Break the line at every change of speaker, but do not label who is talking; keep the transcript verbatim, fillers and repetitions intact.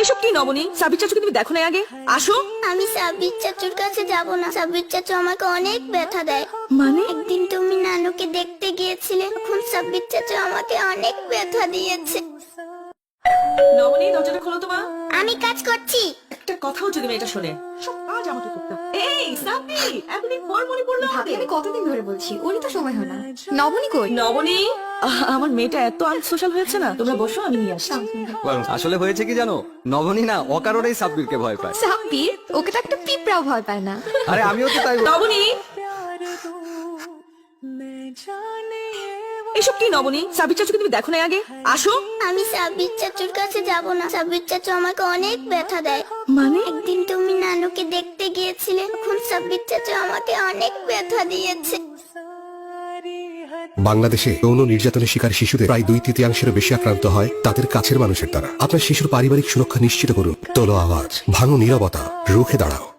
এসব কি নবনী? সাবির চাচুকে তুমি দেখো না আগে? আসো।
আমি সাবির চাচুর কাছে যাব না। সাবির চাচু আমাকে অনেক ব্যথা দেয়।
মানে?
একদিন তুমি নানুকে দেখতে গিয়েছিলে, তখন সাবির চাচু আমাকে অনেক ব্যথা দিয়েছে।
নবনী, দরজাটা খোলো তো মা।
আমি কাজ করছি।
একটা কথাও যদি মেয়েটা শোনে, সব কাজ আমাকে করতে হবে। এই সাবি, এতদিন পর মনে পড়লো
ভাবি,
আমাকে।
আমি কতদিন ধরে বলছি, ওরই তো সময় হয় না। নবনী কই?
নবনী, আহ, আমার মেয়েটা এত আনসোশ্যাল হয়েছে না। তোমরা বসো, আমি নিয়ে আসছি।
আসলে হয়েছে কি জানো, নবনী না অকারণেই সাব্বিরকে ভয় পায়।
সাব্বির? ওকে তো একটা পিঁপড়াও ভয় পায় না।
আরে আমিও তো তাই বল-
নবনী, এসব কি নবনী? সাবির চাচুকে তুমি দেখো না আগে? আসো।
আমি সাবির চাচুর কাছে যাব না। সাবির চাচু আমাকে অনেক ব্যথা দেয়।
মানে?
একদিন তুমি নানুকে দেখতে গিয়েছিলে, তখন সাবির চাচু আমাকে অনেক ব্যথা দিয়েছে।
বাংলাদেশে যৌন নির্যাতনের শিকার শিশুদের প্রায় দুই তৃতীয়াংশের বেশি আক্রান্ত হয় তাদের কাছের মানুষের দ্বারা। আপনার শিশুর পারিবারিক সুরক্ষা নিশ্চিত করুন। তোলো আওয়াজ, ভাঙো নীরবতা, রুখে দাঁড়াও।